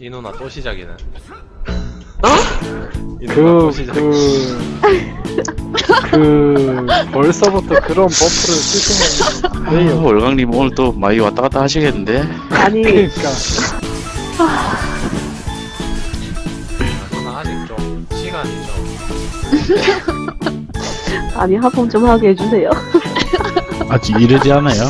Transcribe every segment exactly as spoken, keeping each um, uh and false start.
이 누나 또 시작이네. 어? 그, 그, 그, 벌써부터 그런 버프를 쓰시면 왜요? 아, 월강님 오늘 또 많이 왔다 갔다 하시겠는데? 아니, 그러니까. 누나 아직 좀 시간이 좀. 아니, 하품 좀 하게 해주세요. 아직 이르지 않아요?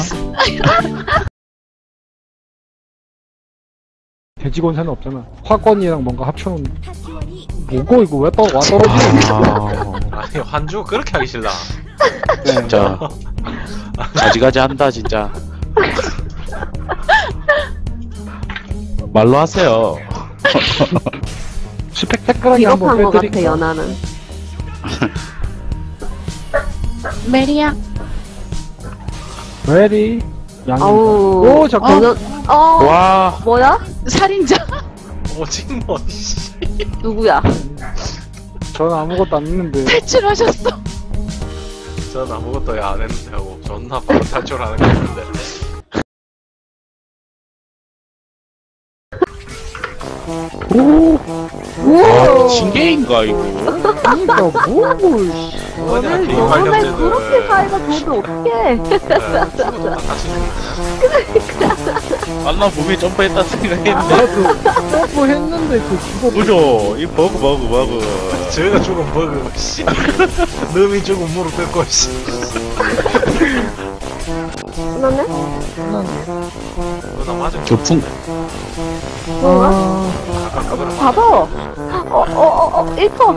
돼지곤사는 없잖아. 화권이랑 뭔가 합쳐놓은. 뭐고, 이거 왜 또, 와 떨어지냐? 아, 아니 환주 그렇게 하기 싫나? 진짜 가지가지 한다 진짜. 말로 하세요. 스펙타클하게 한번 비겁한 것 같아, 빼드릴까? 연하는. 메리야. 레디. 양이. 아우. 오, 잠깐. 어, 어, 와, 뭐야? 살인자. 오징어 씨. 누구야? 전 아무것도 안 했는데. 탈출하셨어. 전 아무것도 안 했는데 하고 존나 바로 탈출하는 거 같은데. 오, 아, 신게임가 이거. 그니까, 뭐, 씨. 뭐냐 너는, 게임 너는 관련제는. 그렇게 사이가 좋으면 어떡해. 죽었다 다시 죽네. 만나 보면 점프했다 생각했는데. 나도 점프 했는데, 그 죽어. 그죠? 이 버그 버그 버그. 저희가 죽은 버그 씨. 놈이 죽은 무릎 꿇고 씨. 끝났네? 누나 맞은 거. 교풍. 뭔가? 아까 그거랑 봐봐. 어, 어, 어, 어, 일 퍼.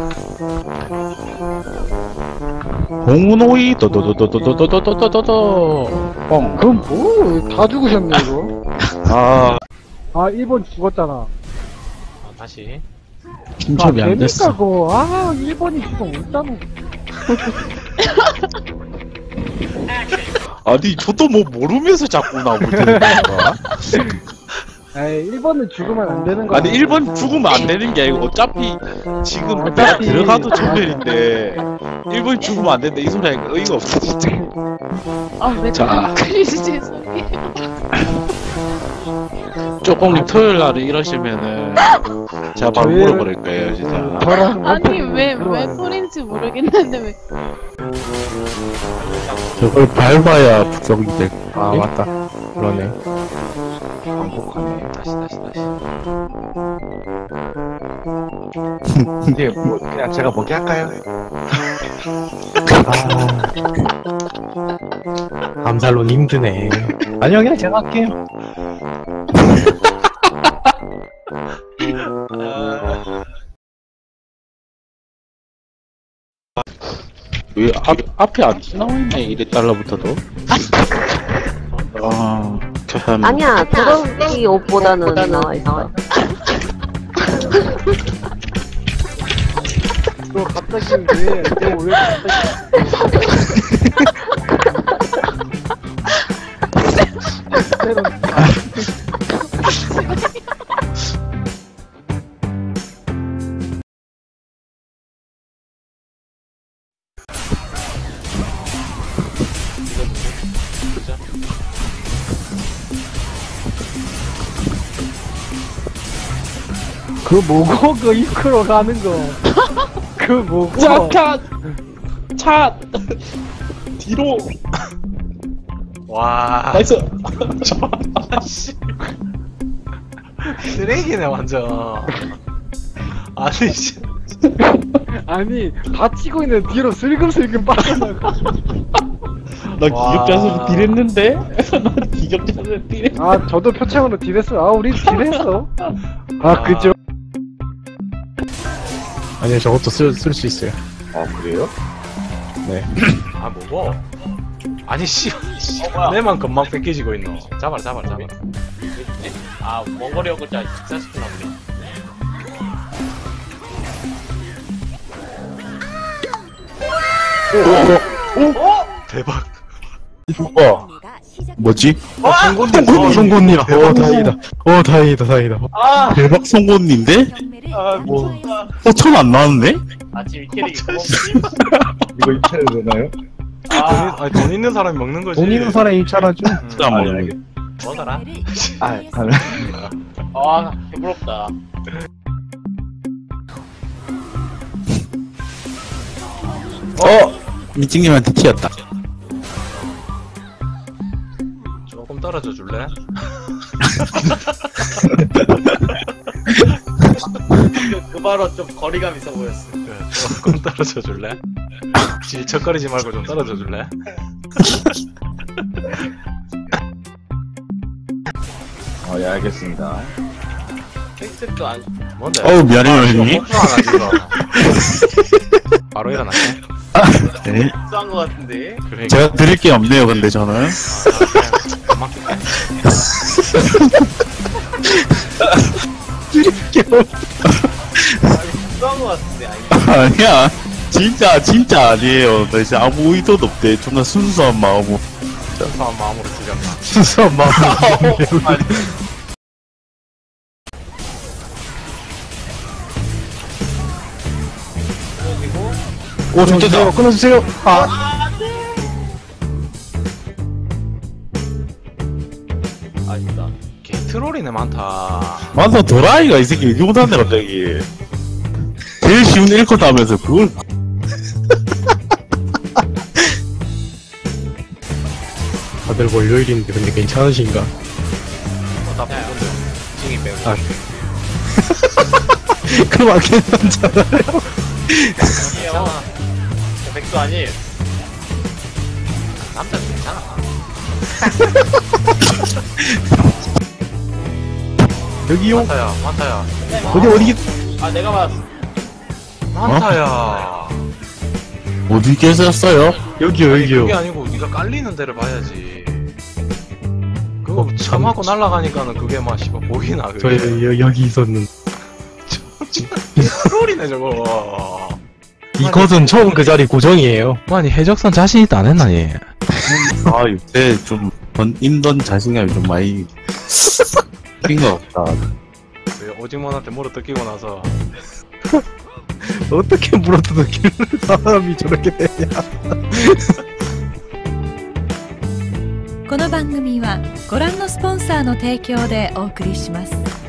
홍우노이 도도도도도도도도도도도. 뻥. 그럼 뭐, 다 죽으셨네, 이거. 아, 아, 일 번 죽었잖아. 아, 다시. 중첩이 안 됐어. 그러니까 그거, 아, 일 번이 지금 없잖아. 아니 저도 뭐 모르면서 자꾸 나오고 있는 거야. 에이, 일 번은 죽으면 안 되는 거야. 아니 일 번 죽으면 안 되는 게 아니고 어차피 지금 어차피- 내가 들어가도 전멸인데 일 번 죽으면 안 된다 이 소리 하니까 의의가 없어 진짜. 아, 왜 자. 크리스 죄송해요. 쪼꽁님 토요일 날에 이러시면은 제가 바로 저희- 물어버릴 거예요 진짜. 저랑 아니, 왜, 왜 소린지 모르겠는데, 왜. 저걸 밟아야 부적이 될. 아 맞다. 그러네. 반복하네. 다시 다시 다시. 이제 뭐 그냥 제가 먹게 할까요? 아, 암살론 힘드네. 아니요 그냥 제가 할게요. 왜 앞, 앞에 안 나와있네 이래 달러부터도. 아 참. 아니야, 그런 옷보다는 나와 있어. 너 갑자기 왜, 너 왜 갑자기. 그 뭐고, 그 이끌어 가는 거. 그 뭐고. 차! 차! 뒤로! 와. 나이스! 씨. 쓰레기네 완전. 아니 씨. 아니, 다치고 있는 뒤로 슬금슬금 빠져나가. 나 와. 기격자수로 딜했는데? 나 기격자수로 딜했 아, 저도 표창으로 딜했어. 아, 우리 딜했어. 아, 그죠? 아니요 저것도 쓸 쓸 수 있어요. 아 그래요? 아 뭐고? 아니 씨. 내만 금방 뺏기지고 있노. 잡아라 잡아라 잡아라. 아 원거리 연구자 익사시키나 보네. 대박. 우와. 뭐지? 아, 송곳니. 송곳니 송곳니. 어 다행이다. 어 다행이다 다행이다. 아! 대박 송곳니인데? 아 뭐. 어 천 안 나왔네? 아침 이 캐릭 이거 입찰해도 되나요? 아, 아니, 돈 있는 사람이 먹는 거지. 돈 있는 사람이 입찰하죠. 음, 진짜 안 먹는 거. 먹어라. 아 가능. 아 부럽다. 어! 미팅님한테 튀었다. 조금 떨어져 줄래? 그, 그 바로 좀 거리감 있어 보였어. 그래, 조금 떨어져 줄래? 질척거리지 말고 좀 떨어져 줄래? 어, 예, 알겠습니다. 텍스트도 안. 뭔데? 어우, 미안해요, 형님. 목표 하나 지금. 바로 일어났네. 네. 싼거 같은데. 그러니까. 제가 드릴 게 없네요, 근데 저는. 아, 그냥 금방 뛸게. 싼거 같은데. 아니. 아니야. 진짜, 진짜 아니에요. 나 이제 아무 의도도 없대. 존나 순수한 마음으로. 순수한 마음으로 뛰렸나. 순수한 마음으로. 오, 끊어주세요. 끊어주세요. 아, 아쉽다. 게이트롤이네 많다. 완전 도라이가 이 새끼 이게 못하네, 갑자기. 제일 쉬운 일 컷 하면서 그걸. 다들 월요일인데 근데 괜찮으신가? 어, 나 보는데 찡이 빼고. 아. 그럼 안 괜찮잖아요. 아니에요. 저 백수 아니에요. 남자 괜찮아. 여기요. 많다야, 많다야. 어디, 어디, 아 내가 맞았어. 많다야. 어디 계셨어요? 여기요, 아니, 여기요. 그게 아니고 네가 깔리는 데를 봐야지. 그거 참 하고 날아가니까는 그게 막 씨발 보이나 저 그게. 여, 여기 있었는. 트롤이네 저거. 이것은 처음 그 자리 고정이에요. 아니 해적선 자신 있다 안 했나니? 아, 요새 좀, 던, 인던 자신감이 좀 많이, 낀것 같다. 그 오징어한테 물어 뜯기고 나서 어떻게 물어뜯기를 사람이 저렇게 되냐. この番組はご覧のスポンサーの提供でお送りします。